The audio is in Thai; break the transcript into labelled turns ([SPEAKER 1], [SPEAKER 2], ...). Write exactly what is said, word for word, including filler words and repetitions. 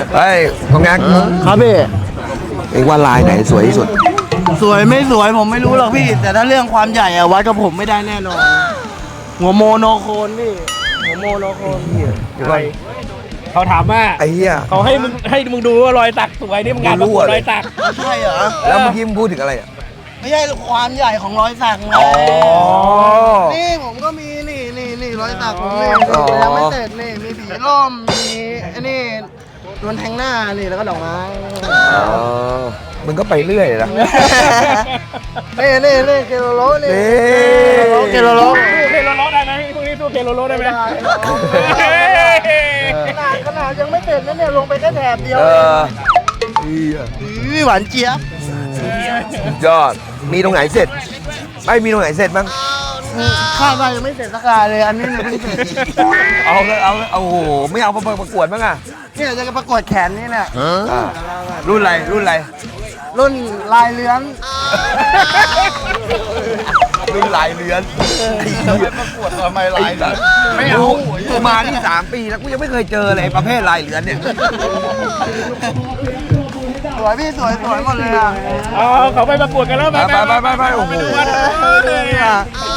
[SPEAKER 1] เฮ้ยกองแงก
[SPEAKER 2] ครับพี่
[SPEAKER 1] เองว่าลายไหนสวยที่สุด
[SPEAKER 2] สวยไม่สวยผมไม่รู้หรอกพี่ แต่ถ้าเรื่องความใหญ่อะวัดกับผมไม่ได้แน่นอนหัวโมโนโคนพี่หัวโมโนโคน
[SPEAKER 1] เดี๋ยวก่อน
[SPEAKER 3] เขาถามว่า
[SPEAKER 1] ไอ้เหี้ย
[SPEAKER 3] เขาให้มึงให้มึงดูว่ารอยสักสวยนี่มึงงานประกวดรอยสัก
[SPEAKER 2] ใช่เหรอ
[SPEAKER 1] แล้วเมื่อกี้มึงพูดถึงอะไรอ่ะ
[SPEAKER 2] ไม่ใช่ความใหญ่ของรอยสักไง
[SPEAKER 1] อ๋อ
[SPEAKER 2] นี่ผมก็มีนี่นี่นี่รอยสักผมนี่
[SPEAKER 1] อ๋อ
[SPEAKER 2] ยังไม่เสร็จนี่มีผีร่มมีไอ้นี่นวลแทงหน้านี่แล้วก็ดอกไม้
[SPEAKER 1] อ๋อมึงก็ไปเรื่อยนะ
[SPEAKER 2] นี่นี่นี่เคโลโลนี่
[SPEAKER 1] นี่
[SPEAKER 2] เคโลโล
[SPEAKER 3] สู้เคโลโลได้ไหมพวกนี้สู้เคโลโลได้ไหม
[SPEAKER 2] ขนาดขนาดยังไม่เสร็จนะเนี่ยลงไปแค่แถบเดียว
[SPEAKER 1] เอ
[SPEAKER 2] เอ
[SPEAKER 1] อง เหี้ย
[SPEAKER 2] อุ้ยหวานเจี๊ยบ
[SPEAKER 1] สุดยอดมีตรงไหนเสร็จไม่มีตรงไหนเสร็จบ้าง
[SPEAKER 2] คาดว่ายังไม่เสร็จสักการเลยอันนี้เนี่ยเพิ่งเสร็จ
[SPEAKER 1] เอาเลยเอาเลยเอาโอ้โหไม่เอาประกวดบ้างอ่ะ
[SPEAKER 2] เนี่ยจะประกวดแขนนี่เนี่ย
[SPEAKER 1] อ่ารุ่นอะไรรุ่นอะไร
[SPEAKER 2] รุ่นลายเลื้อน
[SPEAKER 1] รุ่นลายเรือนไอ้เหี้ย
[SPEAKER 2] ประกวดทำไมลายเลื้อน
[SPEAKER 1] ไม่เอากูมาที่สามปีแล้วกูยังไม่เคยเจอเลยประเภทลายเรือนเนี่ย
[SPEAKER 2] สวยพี่สวยสวยหมดเลยอ่ะ
[SPEAKER 3] เอาเขาไปประกวดกันแล้ว
[SPEAKER 1] ไปไปไปไปไปโอ้โห
[SPEAKER 2] เนี่ย